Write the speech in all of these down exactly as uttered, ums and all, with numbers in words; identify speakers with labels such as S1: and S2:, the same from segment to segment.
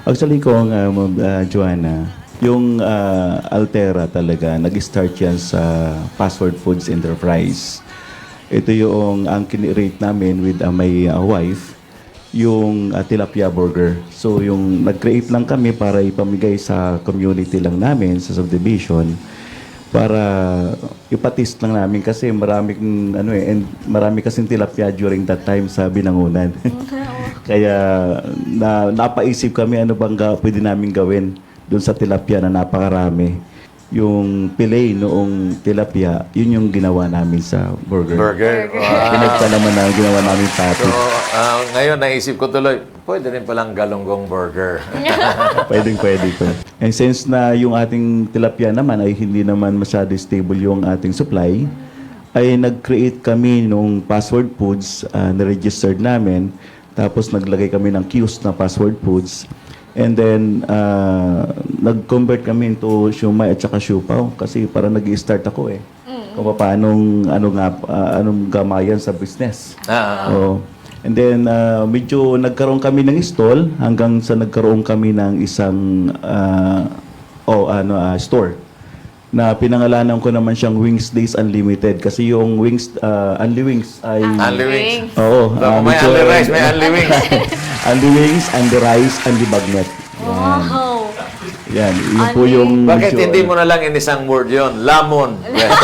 S1: Actually kung uh, Ma'am, uh, Joanna, yung uh, Altera talaga, nag-start yan sa Password Foods Enterprise. Ito yung ang kinirate namin with uh, my uh, wife, yung uh, tilapia burger. So yung nag-create lang kami para ipamigay sa community lang namin, sa subdivision, para ipatis lang namin kasi maraming ano eh, and marami kasing tilapia during that time sa Binangunan. Kaya na, napaisip kami ano bang ga, pwede namin gawin doon sa tilapia na napakarami. Yung fillet noong tilapia, yun yung ginawa namin sa burger.
S2: Burger. Wow.
S1: Pinagta naman na ginawa namin patty.
S2: So, ah, ngayon naisip ko tuloy, pwede rin palang galunggong burger.
S1: Pwedeng pwede po. And since na yung ating tilapia naman ay hindi naman masyado stable yung ating supply, ay nag-create kami nung Password Foods, uh, na-registered namin. Tapos naglagay kami ng kiosk na Password Foods. And then, uh, nag-convert kami into siumay at saka siupaw. Kasi para nag-i-start ako eh. Kung paanong, ano nga, uh, anong gamayan sa business.
S2: Ah, ah.
S1: Oo. And then, uh, medyo nagkaroon kami ng stall hanggang sa nagkaroon kami ng isang uh, oh, ano, uh, store na pinangalanan ko naman siyang Wings Days Unlimited kasi yung Wings, uh, Unli Wings ay...
S2: Unli wings.
S1: Oo.
S2: So,
S1: uh,
S2: may
S1: medyo-
S2: unli rice, may unli wings.
S1: Unli Wings, Unli Rice, Unli Bagnet.
S3: Wow.
S1: Yan. Yun po yung...
S2: Bakit
S1: medyo-
S2: hindi mo na lang in isang word yun? Lamon.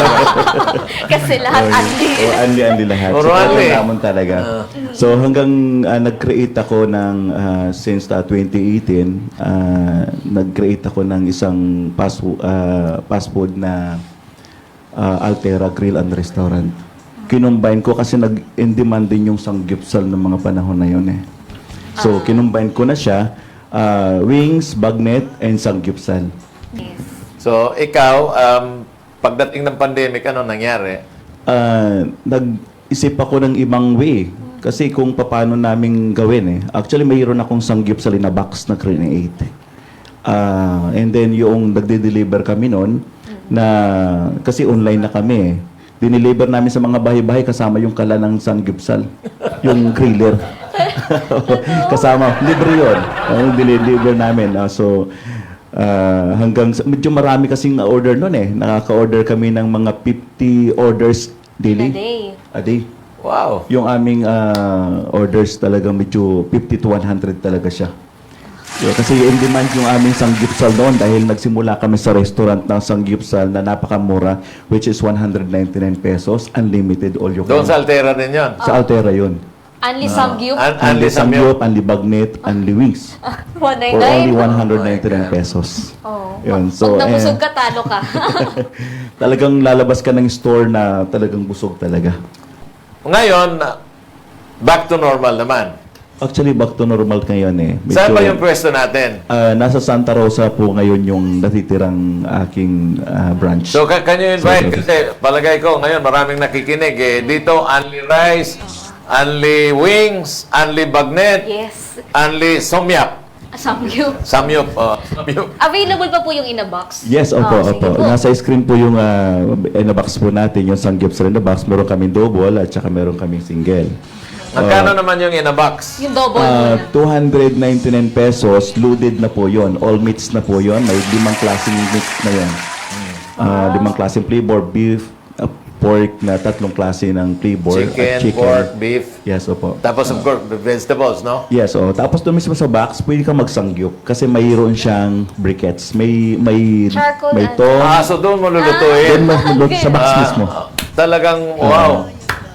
S3: Kasi lahat anli.
S1: Oh, anli, anli lahat.
S2: Puro
S1: So,
S2: anli.
S1: talagang naman talaga. So, hanggang ah, nag-create ako ng, ah, since ah, twenty eighteen, ah, nag-create ako ng isang fast, fo- ah, fast food na ah, Altera Grill and Restaurant. Kinumbine ko kasi nag-in-demand din yung sanggipsal ng mga panahon na yun eh. So, kinumbine ko na siya, ah, wings, bagnet, and sanggipsal.
S3: Yes.
S2: So, ikaw, um, pagdating ng pandemic, ano nangyari?
S1: Ah, nag-isip ako ng ibang way. Kasi kung paano namin gawin eh. Actually, mayroon akong sanggipsal na box na create. Ah, and then yung nagde-deliver kami noon na kasi online na kami eh. Dineliver namin sa mga bahay-bahay kasama yung kala ng sanggipsal. Yung griller. Kasama. Libre yun. Ang dineliver namin. Ah, so, ah, hanggang, sa- medyo marami kasing order noon eh. Nakaka-order kami ng mga fifty orders daily.
S3: A day.
S1: A day.
S2: Wow.
S1: Yung aming ah, orders talaga medyo fifty to one hundred talaga siya. Yeah, kasi in demand yung aming sanggipsal noon dahil nagsimula kami sa restaurant ng sanggipsal na napakamura which is one hundred ninety-nine pesos, unlimited all you
S2: Doon
S1: can.
S2: sa Altera din yun.
S1: Sa Altera yun.
S3: Anli samgyup.
S2: An-
S1: Unli
S2: Anli
S1: sangyup,
S2: Samyup.
S1: unli bagnet, unli wings.
S3: one
S1: For only
S3: ninety-nine.
S1: one hundred ninety-nine pesos.
S3: Oh.
S1: Yun.
S3: So,
S1: So,
S3: Pag nabusog
S1: eh,
S3: ka, talo ka.
S1: talagang lalabas ka ng store na talagang busog talaga.
S2: Ngayon, back to normal naman.
S1: Actually, back to normal ngayon eh. Medyo-
S2: Saan ba yung pwesto natin?
S1: Ah, nasa Santa Rosa po ngayon yung natitirang aking ah, branch.
S2: So, ka- can you invite?
S1: So,
S2: Kasi palagay ko, ngayon maraming nakikinig eh. Dito, only rice, only wings, only bagnet,
S3: Yes.
S2: only somyap.
S3: Samgyup.
S2: Samyup. Oh, samyup.
S3: Available pa po yung in a box?
S1: Yes, opo,
S3: Oh, sige
S1: opo.
S3: po.
S1: Nasa screen po yung uh, in the box po natin, yung sanggipsal in the box. Meron kaming double at saka meron kaming single.
S2: Magkano naman yung in a box?
S3: Yung double
S1: Uh,
S3: muna.
S1: two hundred ninety-nine pesos, loaded na po yon. All meats na po yon. May limang klaseng meat na yon. Uh, limang klaseng flavor, beef, uh, pork na tatlong klase ng flavor.
S2: Chicken,
S1: at chicken.
S2: pork, beef.
S1: Yes, opo.
S2: Tapos of course, the vegetables, no?
S1: Yes, oh. Tapos doon mismo sa box, pwede ka magsangyup kasi mayroon siyang briquettes. May may
S3: Charcoal
S1: may
S3: and-
S1: tong.
S2: Ah, so doon mo
S1: Doon
S2: lulutuin.
S1: mas luluto sa box
S2: Ah,
S1: mismo.
S2: talagang, wow.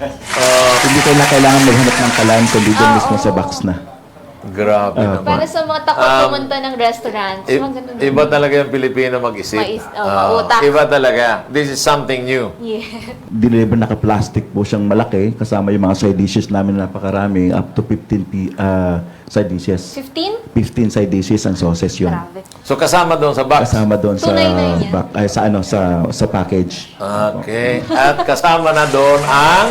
S2: Ah,
S1: Hindi kayo na kailangan maghanap ng kalan kundi doon mismo sa box na.
S2: grabe naman.
S3: Para sa mga takot
S2: Um,
S3: pumunta ng restaurants,
S2: I-
S3: mga ganun.
S2: iba talaga yung Pilipino mag-isip.
S3: Mais- oh,
S2: Ah,
S3: mautak.
S2: iba talaga. This is something new.
S3: Yeah.
S1: Deliver naka-plastic po siyang malaki kasama yung mga side dishes namin na napakarami up to fifteen pi- ah, side dishes.
S3: fifteen?
S1: fifteen side dishes ang sauces yun.
S3: Grabe.
S2: So kasama doon sa box.
S1: Kasama doon sa
S3: two ninety-nine yan.
S1: back, ay, sa ano sa sa package.
S2: Okay. At kasama na doon ang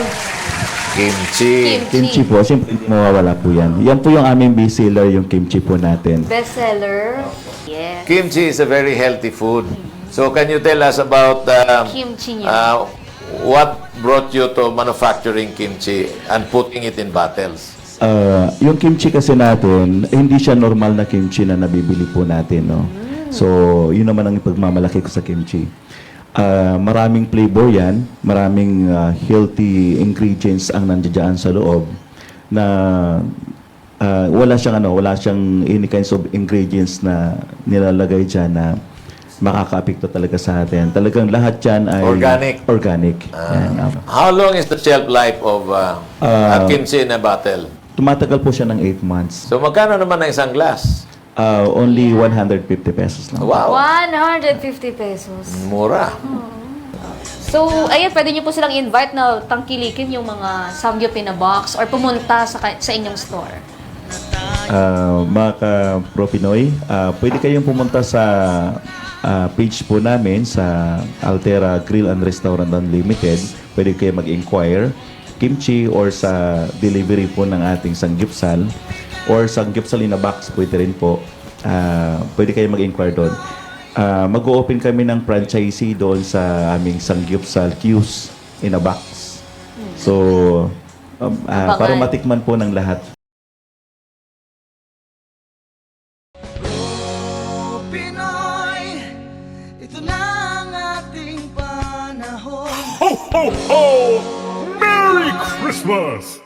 S2: kimchi.
S1: Kimchi po, siyempre hindi mawawala po yan. Yan po yung aming best seller, yung kimchi po natin.
S3: Bestseller. Yes.
S2: Kimchi is a very healthy food. So can you tell us about uh,
S3: Kimchi niya.
S2: uh, what brought you to manufacturing kimchi and putting it in bottles?
S1: Ah, yung kimchi kasi natin, eh, hindi siya normal na kimchi na nabibili po natin, no? So, yun naman ang pagmamalaki ko sa kimchi. Ah, maraming flavor yan, maraming ah, healthy ingredients ang nandiyan sa loob na ah, wala siyang ano, wala siyang any kinds of ingredients na nilalagay diyan na makakaapekto talaga sa atin. Talagang lahat yan ay
S2: Organic.
S1: Organic. Yan, ah.
S2: How long is the shelf life of uh,
S1: Ah,
S2: a kimchi in a bottle?
S1: Tumatagal po siya ng eight months.
S2: So, magkano naman ang isang glass?
S1: Ah, only one hundred fifty pesos lang.
S2: Wow,
S3: one hundred fifty pesos.
S2: mura.
S3: So, ayun, pwede niyo po silang invite na tangkilikin yung mga samgyup in a box or pumunta sa, ka- sa inyong store.
S1: Ah, mga ka-Pro Pinoy, ah, pwede kayong pumunta sa ah, page po namin sa Altera Grill and Restaurant Unlimited. Pwede kayo mag-inquire kimchi or sa delivery po ng ating sanggipsal or sanggipsal in a box pwede rin po. Ah, pwede kayo mag-inquire doon. Ah, mag-open kami ng franchisee doon sa aming sanggipsal Q's in a box. So, um, ah, para
S3: Abangan.
S1: matikman po ng lahat.
S4: Pinoy, ito na ang ating panahon.
S5: Ho, ho, ho! Merry Christmas!